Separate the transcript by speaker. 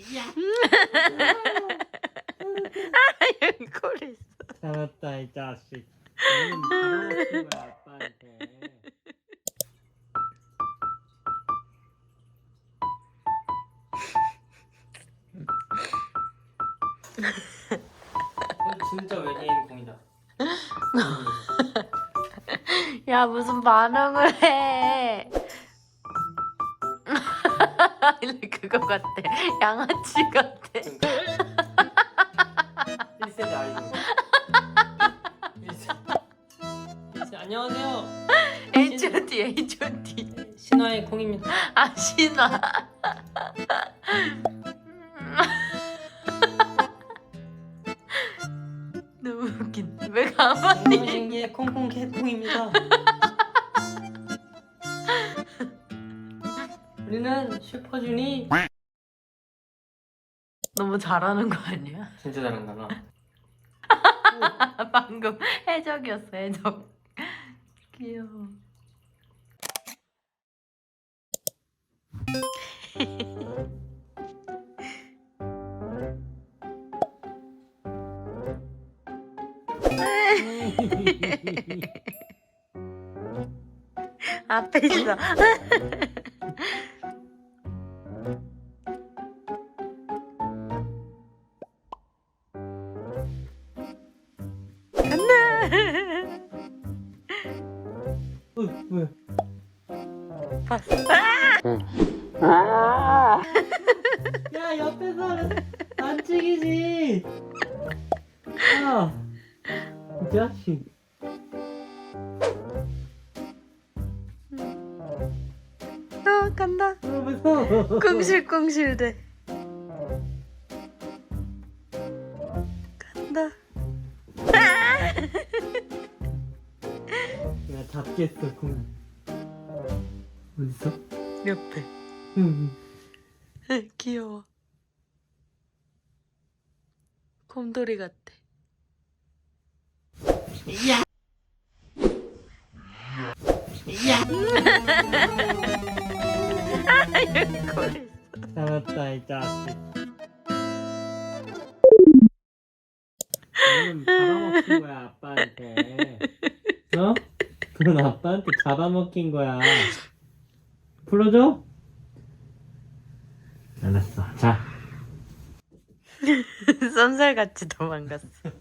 Speaker 1: 여기 꼴이 있어.
Speaker 2: 잡았다 이 자식. 너는 잡아먹힌 거야 아빠한테. 진짜 외계인 공이다.
Speaker 1: 야, 무슨 반응을 해. 그거 같아. 양아치 같아.
Speaker 2: 1세대 아이돌. 1세대. 안녕하세요.
Speaker 1: H.O.T.
Speaker 2: 신화의 콩입니다.
Speaker 1: 아, 신화. 너무 웃긴다. 왜 가만히.
Speaker 2: 신기의 콩콩 개콩입니다. 우리는 슈퍼주니.
Speaker 1: 너무 잘하는 거 아니야?
Speaker 2: 진짜 잘한다 나.
Speaker 1: 방금 해적이었어, 해적. 귀여워. 앞에 있어.
Speaker 2: 왜?
Speaker 1: 봤어.
Speaker 2: 야 옆에서 안 찍이지. 야, 이 자식.
Speaker 1: 간다.
Speaker 2: 무서워.
Speaker 1: 꿍실꿍실대. 간다.
Speaker 2: 야 잡겠어 공. 어딨어?
Speaker 1: 옆에.
Speaker 2: 응.
Speaker 1: 귀여워. 곰돌이 같아.
Speaker 2: 야. 야.
Speaker 1: 여기 꼴이 있어.
Speaker 2: 잡았다 이 자식. 너는 잡아먹힌 거야 아빠한테. 어? 그건 아빠한테 잡아먹힌 거야. 풀어줘? 알았어. 자.
Speaker 1: 쏜살같이 도망갔어.